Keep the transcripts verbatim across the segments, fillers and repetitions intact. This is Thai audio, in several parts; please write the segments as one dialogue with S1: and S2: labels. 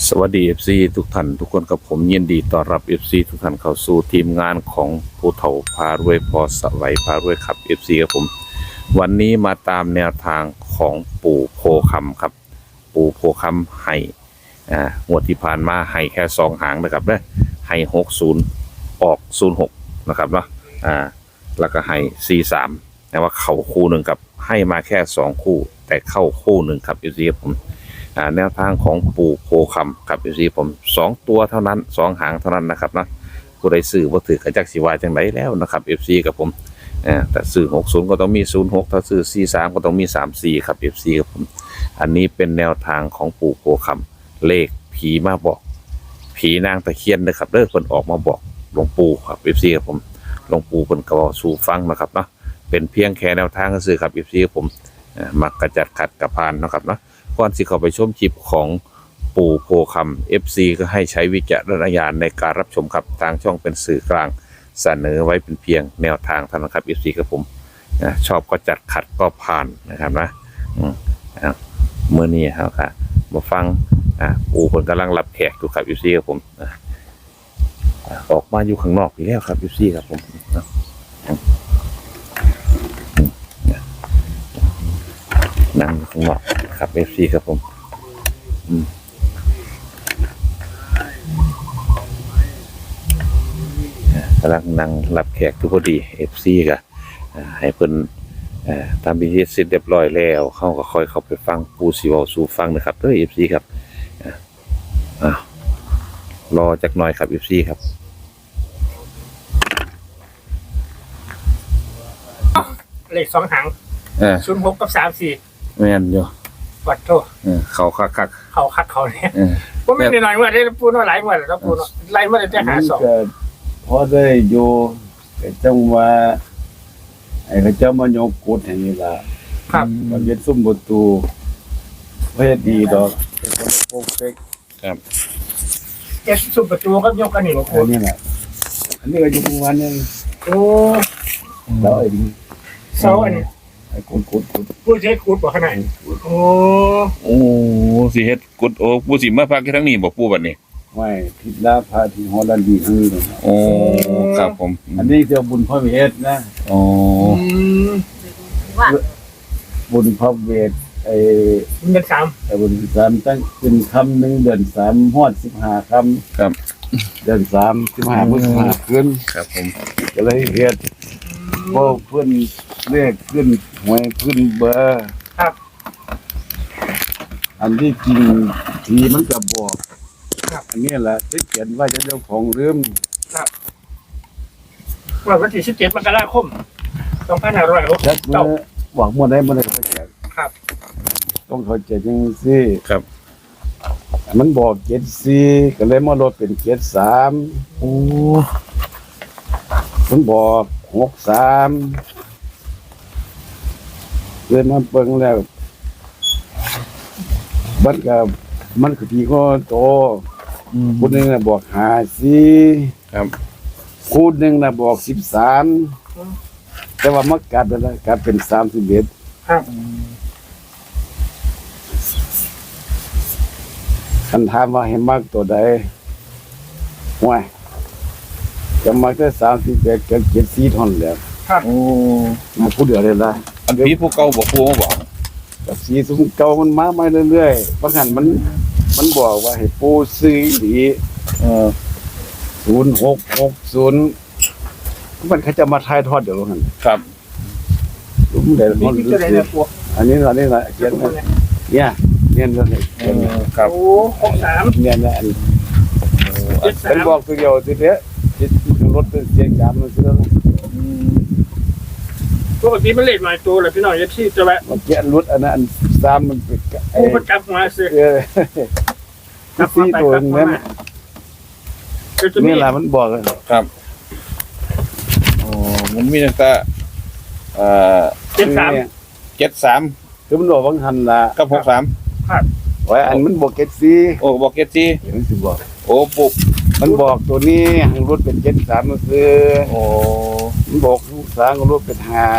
S1: สวัสดี เอฟ ซี ทุกท่านทุกคนกับผมยินดีต้อนรับ เอฟ ซี ทุกท่านเข้าสู่ทีมงานของผู้เฒ่าพารวยพอสวัยพารวยครับ เอฟ ซี ครับผมวันนี้มาตามแนวทางของปู่โพคำครับปู่โพคำให้อ่างวดที่ผ่านมาให้แค่สองหางนะครับนะให้หกสิบออกศูนย์หกนะครับเนาะอ่าแล้วก็ให้สี่สามแต่ว่าเข้าคู่หนึ่งครับให้มาแค่สองคู่แต่เข้าคู่หนึ่งครับ เอฟ ซี ครับผมแนวทางของปู่โพคำครับ เอฟ ซี ผมสองตัวเท่านั้นสองหางเท่านั้นนะครับนะผู้ใดซื้อบ่ถือกระจักสิวาจังไดแล้วนะครับ เอฟ ซี กับผมแต่ซื้อหกสิบก็ต้องมีศูนย์หกถ้าซื้อสี่สามก็ต้องมีสามสี่ครับ เอฟ ซี กับผมอันนี้เป็นแนวทางของปู่โพคำเลขผีมาบอกผีนางตะเคียนนะครับเด้อเพิ่นออกมาบอกหลวงปู่ครับ เอฟ ซี กับผมหลวงปู่เพิ่นก็สู่ฟังนะครับเนาะเป็นเพียงแค่แนวทางซื่อครับ เอฟ ซี กับผมมักกระจัดขัดกระพานนะครับเนาะก่อนที่เข้าไปชมคลิปของปู่โพคำ เอฟ ซี ก็ให้ใช้วิจารณญาณในการรับชมครับทางช่องเป็นสื่อกลางเสนอไว้เป็นเพียงแนวทางเท่านั้นครับ เอฟ ซี กับผมชอบก็จัดขัดก็ผ่านนะครับนะเมื่อนี้ครับค่ะมาฟังปู่คนกำลังรับแขกอยู่ครับ เอฟ ซี กับผมออกมาอยู่ข้างนอกอีกแล้วครับ เอฟ ซี ครับผมนั่งข้างนอกครับ เอฟ ซี ครับผมกำลังนั่งรับแขกทุกพอดี เอฟ ซี ก็ให้เพิ่นทำพิธีเสร็จเรียบร้อยแล้วเขาก็ค่อยเข้าไปฟังปู่สิเว้าสู่ฟังนะครับเด้อ เอฟ ซี ครับรอจักหน่อยครับ เอฟ ซี ครับ
S2: เลขสองหางศูนย์หกกับสามสี่
S1: แม่นอยู่
S2: วัดโทษ
S1: เขาคักคัก
S2: เขาคักเขาเนี่ยผมไม่ได้หน่อยว่าได้ปูน้อยหลายวันแล้วปูน้อยไล่มาได้แต่หาสอง
S3: พอได้อยู่แต่จังว่าไอ้เขาเจ้ามายกกุดแห่งนี้ล่ะ
S2: ครับ
S3: มันเป็นซุ้มประตูเฮ็ดดีดอกเป็นคนโปกเป๊ก
S1: ครับ
S2: เจ็ดซุ้มประตูก็ยกกันนี่บ่ปู
S3: อันนี้แหละอันนี้ก็อยู่ประมาณนึง
S2: โอ้
S3: แล้วไอ้
S2: เสาอันนี้
S3: ไอ้กุดกุดกุด
S2: ปูเฮ็ดกุดบ่ขนาดโอ้
S1: โอ้สิเฮ็ดกุดโอ้ปู่สิมาพักที่ทั้งนี้บ่ปู่บัดนี้
S3: ไม่ผิดลาพาที่ฮอลแลนด์ดีทั้งนี้เลย
S1: โอ้ครับผม
S3: อันนี้เจ้าบุญพระเวทนะ
S1: อ๋อ
S3: บุญพระเวทไอ้
S2: เดือนสาม
S3: ไอ้บุญสามตั้งเป็นคำหนึ่งเดือนสามฮอดสิบห้าคำ
S1: ครับ
S3: เดือนสามสิบห้าพฤษภาขึ้น
S1: ครับผม
S3: ก็เลยเฮ็ดพอเพิ่นเลขขึ้นหวยขึ้นเบอร์
S2: ครับ
S3: อันที่จริงทีมันก็บอกอันนี้แหละที่เขียนว่าจะเจ้าของลืม
S2: ครับว่าวันที่สิบเจ็ดมกราคมสองพันห้าร้อยหกสิบเก้า
S3: หวังมั่วได้มั่วได้เข้าใจ
S2: ครับ
S3: ต้องเข้าใจจังซี่
S1: ครับ
S3: มันบอกเจ็ดสี่ก็เลยมาลดเป็นเจ็ดสาม
S1: โอ้
S3: มันบอกหกสามเลยมาเบิ่งแล้วมันก็มันคือพี่ก็โตคนหนึ่งน่ะบอกห้าสี่
S1: ครับ
S3: คูณหนึ่งน่ะบอกสิบสามแต่ว่ามักกัดอะไรกัดเป็นสามสิบเอ็ด
S2: ครับ
S3: คันถามว่าให้มักตัวใดห่วยจะมักได้สามสิบเอ็ดกับเจ็ดสี่ท่อนแล้ว
S2: ครับ
S1: โอ้
S3: มาพูดเดี๋ยวเลยละ
S1: อันพี่ผู้เก่าบอกปู่มาบอก
S3: กับสีสูงเก่ามันมามาเรื่อยๆบางครั้งมันมันบอกว่าให้ปูซื้อดีเอ่อศูนย์หกหกศูนย์มันเขาจะมาทายทอดเดี๋ยวนั้น
S1: ครับ
S3: รู้เดี๋ยวมันอันนี้อันนี้แหละเขียนเนี่ยเนี่ยเนี่ย
S1: ครับ
S2: โอ้หกสาม
S3: เนี่ยเนี่ยเป็นบอกตัวเดียวทีเดียวจิตรถเป็นเสียงยามมันเสื่อม
S2: ปกติมันเล็กหน่อยตัวเลยพี่น้องยัดที่จะแบบ
S3: มันเกี่ยรถอันนั้นซ้ำมันเป็น
S2: โอ้มันจับมาสิ
S3: จับสี่ตัวนั้นนี่แหละมันบอก
S1: ครับโอ้มันมีตั้งแต่เอ่อ
S2: เจ็ดสาม
S1: เจ็ดสาม
S3: คือมันบอกบางทันละ
S1: กับหกสาม
S2: ครับ
S3: ไว้อันมันบอกเจ็ดสี่
S1: โอ้บอกเจ็ดสี่
S3: มันสิบอก
S1: โอ้ปุ๊บ
S3: มันบอกตัวนี้หางรถเป็นเจ็ดสามมันคือ
S1: โอ้
S3: มันบอกลูกสาวรถเป็นห้า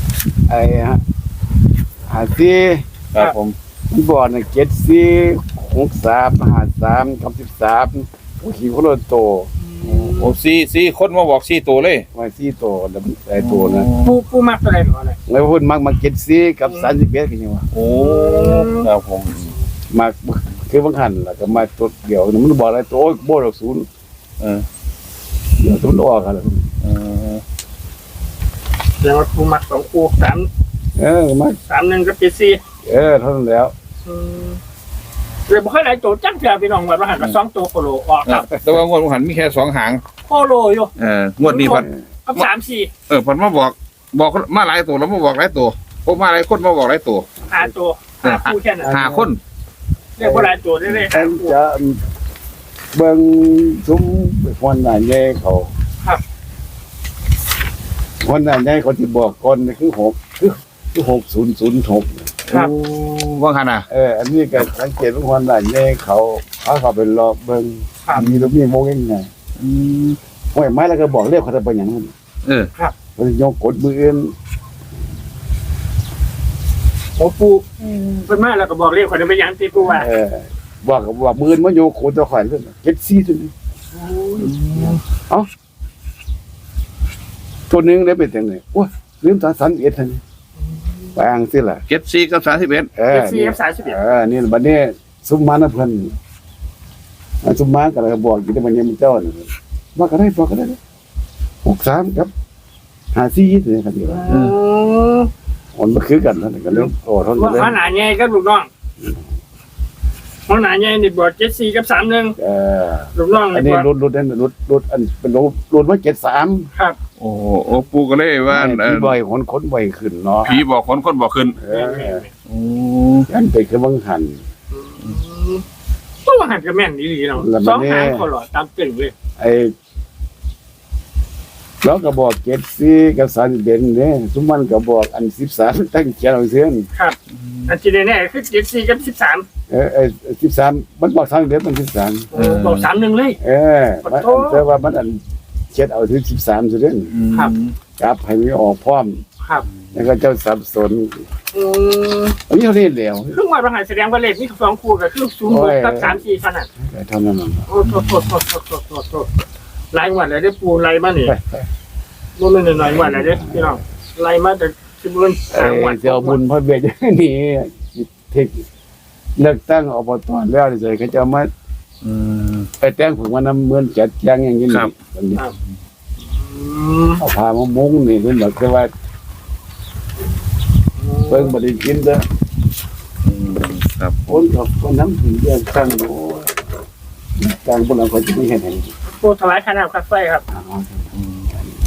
S3: ไอ้ฮะห้าสี่
S1: ครับผม
S3: มันบอกน่ะเจ็ดสี่หหกสามห้าสามกับสิบสามโอ้ขี่คนละโต
S1: โอ้สี่สี่คนมาบอกสี่ตัวเลย
S3: ไว้สี่โตแล้วมันไอ้โตนะ
S2: ปูปูมักตัวไหนหรออะไร
S3: แล้วพูดมักมาเก็ตซีกับสามสิบเอ็ดกันยังวะ
S1: โอ้ครับผม
S3: มาคือบางหันแล้วก็มาตัวเดียวมันบอกอะไรตัวโอ้ยโบดอกศูนย์
S1: เออ
S3: เดี๋ยวศูนย์ออกกันแล้ว
S1: เออ
S2: แล้วปูมักสองปูสาม
S3: เออมา
S2: สามหนึ่งกับเจ็ดสี่
S3: เออเท่านั้นแล้ว
S2: เลยบ่ค่อยได้โจจังเถื่อพี่น้องว่าหันมาสองตัวโคโลออกครับ
S1: แต่ว่างวดหันมีแค่สองหาง
S2: โคโลอยู่
S1: เอองวดนี้พัน
S2: กับสามสี่
S1: เออพันมาบอกบอกมาหลายตัวแล้วมาบอกหลายตัวพวกมาหลายคนมาบอกหลายตัว
S2: หาตัวหาปูแค่นั้น
S1: หาคน
S2: เรียกว่าหลายตัวได้เลย
S3: แทนจะเบิ่งซุ้มคนหน้าแย่เขาคนหน้าแย่เขาที่บอกก่อนนี่คือหกคือคือหกศูนย์ศูนย์หก
S2: ครับ
S1: ว่างหันอ่ะ
S3: เอออันนี้ก็สังเกตว่าคนหน้าแย่เขาเขาเขาไปรอเบิ่ง
S2: ครับ
S3: มีรูปมีโมงยังไงห้วยไม้แล้วก็บอกเรียกเขาจะไปอย่างนั้น
S1: เออ
S3: เขาจะยกกดมืออื่น
S2: โอ้ปูเป็นมาแล้วก็บอกเรียกคนนั้นไปยังตีปูว่า
S3: เออบอกกับว่ามืออื่นมันโยกโคตรข่อยเลยเก็ดซี่ตัวนี้เอ้าตัวหนึงได้เป็นจังไงโอ้ยลืมตาสันเอ็ดทันไปอ่างสิล่ะ
S1: เจ็ดสี่กับสามสิบเอ็ด
S3: เออ
S2: เจ็ดสี่
S3: นี่
S2: กับสามสิบเอ็ด
S3: เออนี่บัดนี้ซุมมานะเพิ่นอ่าซุมมาก็เลยบอกอยู่ที่มันยังมีเจ้าน่ะว่าก็ได้บอกก็ได้หกสามครับห้าสี่นี่ครับที่ว่ามันบ่คือกันนั่นก็เลยโอ้ทน
S2: ว่า
S3: เลย
S2: ขนาดใหญ่กับลูกน้องขนาดใหญ่นี่บอกเจ็ดสี่กับสามหนึ่ง
S3: เออ
S2: ลูกน้อง
S3: อัน
S2: นี่
S3: นี้
S2: บอก
S3: รถรถนั่นรถรถอันเป็นรถรถว่าเจ็ดสาม
S2: ครับ
S1: โอ้โหโอ้ปูก็เลยว่าเอ
S3: พี่
S1: อ
S3: บ่อยคนคนบ่อยขึ้นเนาะ
S1: ผีบอกคนคนบอกขึ้น
S3: เออ
S1: โอ้
S3: ยันไปคือบังหัน
S2: ตัวหันกับแม่นดีๆเนาะ
S3: แล้ว
S2: ส
S3: มั
S2: อน ง
S3: นี่
S2: หางคอหลอดตามตึงเลย
S3: ไอ้แล้วก็บอกเจ็ดสี่กับสามสิบเอ็ดเนี่ยซุมมันก็บอกอันสิบสามตั้งเขียนเอาเสียน
S2: ครับอันที่แน่ๆคือเจ็ดสี่กับสิบสาม
S3: เออเออสิบสามมันบอกสามสิบเอ็ดมันสิบสาม
S2: บอกสามหนึ่งเลย
S3: เออมันอันแต่ว่ามันอันเช็ดเอาถึงสิบสามสุดเด่น
S2: ครับ
S3: กลับให้มีออกพร้อม
S2: ครับ
S3: แล้วก็เจ้าสับสน
S2: อืม
S3: อันนี้เขาเรียนแล้ว
S2: ครึ่งวันประหารแสดงว่าเลขนี่สองคู่กับครึ่งศูนย์หกกับสามสี่ขนาด
S3: เท่านั้นน่ะ
S2: โอ้โหโทษโทษโทษโทษโทษโทษไล่วันเลยได้ปูไล่มาเนี่ยบ่แม่นหน่อยๆวันเลยเด้พี่น้องไล่มาแต่สิบวัน
S3: เอ
S2: สามวัน
S3: อเจ้าบุญพระเบียดนี่เทคเลือกตั้งอบตแล้วเฉยเขาจะมา
S1: อืม
S3: ไปแต่งผึ่งวันน้ำเหมือนจัดแจงอย่างนี้
S1: ครับ
S3: อันนี้
S2: อืม
S3: เอาพามามุ้งนี่เป็นแบบว่าเพิ่งบริกินเด้อ
S1: อืมครับ
S3: คนกับคนน้ำถึงเดือนตั้งโอ้ตั้งบนเราเขาจะไม่เห็นเห็น
S2: ปูถวายขนาดคัดไฟครับ
S3: อ๋อ
S1: อืม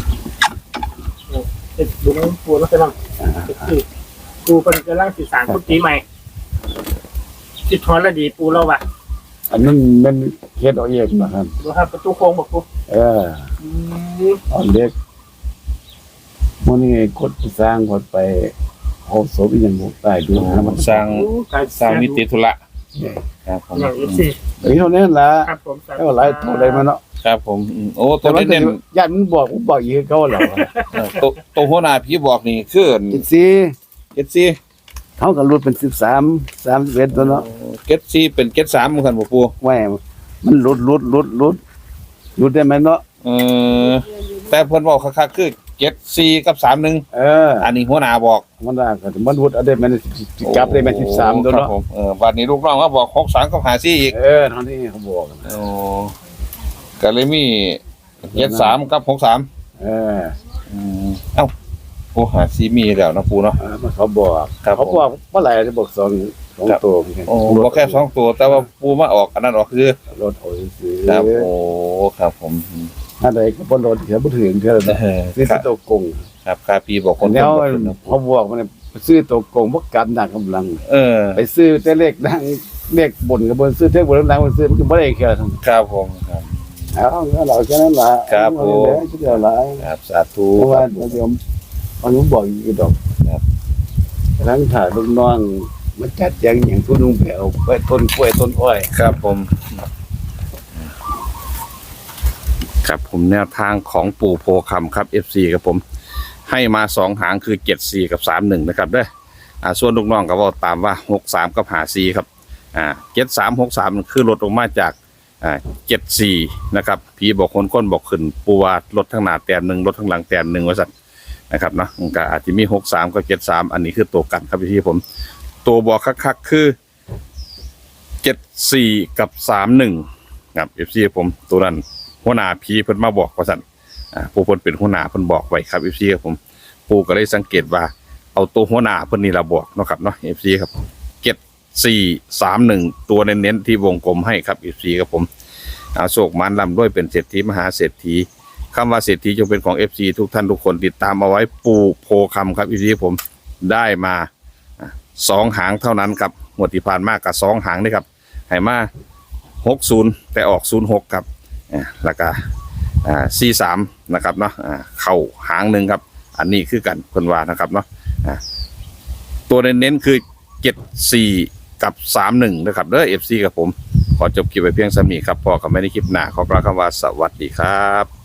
S2: เด็ดดูน้ำปูแล้วไปนั่งคือปูเป็นกำลังสื่อสารกุฏิใหม่สิทอนละดีปูเราว่ะ
S3: อันนั้นมันเฮ็ดเอาเองนะครับ
S2: ดูครับประตูโค้งบอกปู
S3: เออตอนเด็กมันนี่กดสร้างกดไปโหศพอีหยังบ่ตายดูนะมัน
S1: สร้างสร้างมิติธุระครับผม
S2: อย่างอีสี่
S3: ไอ้เท่านั้นล่ะ
S2: ครับผม
S3: แล้วหลายตัวได้มาเนาะ
S1: ครับผมอืมโอ้ตั
S3: แต่
S1: ว
S3: ว่า
S1: เน้น
S3: ญาติมันบอกผมบอกอีกเขาเหรอ
S1: ๆเออตัวตัวหัวหน้าผีบอกนี่คือ
S3: จิตซี่
S1: เจ็ดสี่
S3: เขาก็รุดเป็นสิบสามสามสิบเอ็ดตัวเนาะ
S1: เจ็ดสี่เป็นเจ็ดสามเหมือนกันบ่ปู
S3: แหม่มันรุดรุดรุดรุดรุดได้ไหมเนาะ
S1: เออแต่เพิ่นบอกคักๆคือเจ็ดสี่กับสามหนึ่ง
S3: เออ
S1: อันนี้หัวหน้าบอก
S3: มันได้ก็มันรุดเอาได้มันกลับได้มันสิบสามตัว
S1: ครับ
S3: เนาะ
S1: ผมเออวันนี้ลูกน้องก็บอกหกสามกับหาสี่อีก
S3: เออเท่านี้เขาบอกนะ
S1: โอ้ก็เลยมีเจ็ดสามกับหกสาม
S3: เออ
S1: อืมเอ้าโอ้หาสี่มีแล้วนะปูเนาะ
S3: เออมันเขาบอก
S1: ครับ
S3: เขาบอกเมื่อไหร่จะบอกสองสอง
S1: ครับ
S3: ตัวเหมือนกัน
S1: โอ้บอกแค่สองตัว แต่ว่าปูมาออกอันนั้นออกคือ
S3: รถโอ้ยซื้อ
S1: ครับโอ้ครับผม
S3: อะไรก็บนรถเสียบ่ถึงเท่านั้น
S1: เออ
S3: ซื้อ
S1: ครับ
S3: ตัวกง
S1: ครับคาปีบอกคน
S3: แล้ว
S1: บอกขึ้นนะ
S3: เขาบอกมันซื้อตัวกงบ่กันหนักกำลัง
S1: เออ
S3: ไปซื้อแต่เลขดังเลขบนกับบนซื้อเลขบนดังมันซื้อมันก็บ่ได้แค่นั้น
S1: ครับผมครับ
S3: เอาแล้วเราแค่นั้นล่ะ
S1: ครับผม
S3: เอาเดี๋ยวละ
S1: ครับสาธุ
S3: เพราะ
S1: ค
S3: ว่า
S1: รับ
S3: เดี๋ยวมันผมบอกอยู่ดอก
S1: ครับ
S3: ทั้งถ่ายลูกน้องมันจัดแจงอย่างทุนุ่งแผ่วไปต้นกล้วยต้นอ้อย
S1: ครับผมครับผมแนวทางของปู่โพคำครับ เอฟ ซี ครับผม ให้มาสองหางคือเจ็ดสี่กับสามหนึ่งนะครับเด้ออ่าส่วนลูกน้องก็บอกตามว่าหกสามกับหาสี่ครับอ่าเจ็ดสามหกสามคือลดลงมาจากอ่าเจ็ดสี่นะครับผีบอกคนก้นบอกขึ้นปูวาลดทั้งหน้าแต้มหนึ่งลดทั้งหลังแต้มหนึ่งว่าสัตว์นะครับเนาะมันก็อาจจะมีหกสามกับเจ็ดสามอันนี้คือตัวกันครับพี่ผมตัวบอกคักๆคือเจ็ดสี่กับสามหนึ่งครับเอฟซีผมตัวนั้นหัวหน้าผีเพิ่นมาบอกว่าสัตว์อ่าผู้เพิ่นเป็นหัวหน้าเพิ่นบอกไว้ครับเอฟซีครับผมปูก็เลยสังเกตว่าเอาตัวหัวหน้าเพิ่นนี่ละบอกเนาะครับเนาะเอฟซีครับเจ็ดสี่สามหนึ่งตัวเน้นๆที่วงกลมให้ครับเอฟซีครับผมอาโศกมันลำด้วยเป็นเศรษฐีมหาเศรษฐีคำว่าเศรษฐีจงเป็นของ เอฟ ซี ทุกท่านทุกคนติดตามเอาไว้ปูโพคำครับเอฟซีผมได้มาสองหางเท่านั้นครับหมวดที่ผ่านมากกับสองหางนี่ครับให้มาหกศูนย์แต่ออกศูนย์หกครับแล้วก็สี่สามนะครับเนาะเข่าหางหนึ่งครับอันนี้คือกันคนว่านะครับเนาะตัวเน้นๆคือเจ็ดสี่กับสามหนึ่งนะครับเด้อ เอฟ ซี กับผมขอจบคลิปไปเพียงสำนี้ครับพอกับไม่ได้คลิปหน้าขอกล่าวคำว่าสวัสดีครับ